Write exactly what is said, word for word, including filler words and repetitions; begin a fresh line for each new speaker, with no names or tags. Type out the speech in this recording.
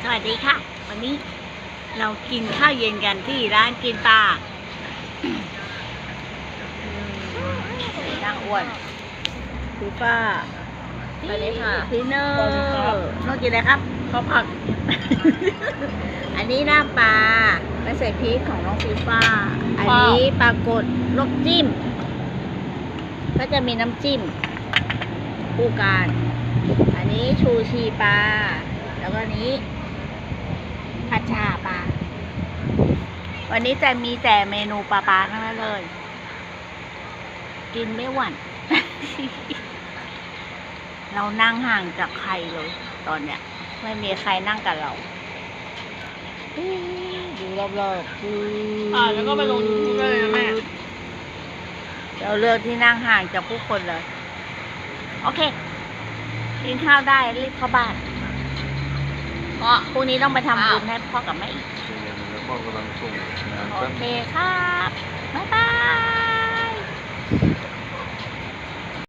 สวัสดีค่ะ วันนี้เรากินข้าวเย็นกันที่ร้านกินปลานั่งอ้วนคือป้า
สวัสดีค่ะ
พี่เนอร์น้องกินอะไรครับข้าวผัด อันนี้หน้าปลาไม่ใส่พริกของน้องฟีฟ้า อันนี้ปลากดลวกจิ้ม ก็จะมีน้ำจิ้มคู่กันอันนี้ชูชีปลา แล้วก็อันนี้ผัดชาปลา วันนี้จะมีแต่เมนูปลาปลาทั้งนั้นเลย กินไม่หวั่น เรานั่งห่างจากใครเลย ตอนเนี้ย ไม่มีใครนั่งกับเรา ดูรอบๆ
อ่าแล้วก็ไปลงยูทูบได้เลยนะแม่
เราเลือกที่นั่งห่างจากผู้คนเลย โอเค กินข้าวได้รีบเข้าบ้าน เพราะพรุ่งนี้ต้องไปทำบุญให้พ่อกับแม่อีก
แล้วพ่อกำลังส่งงาน
โอ
แป๊บ
เคครับ บ๊ายบาย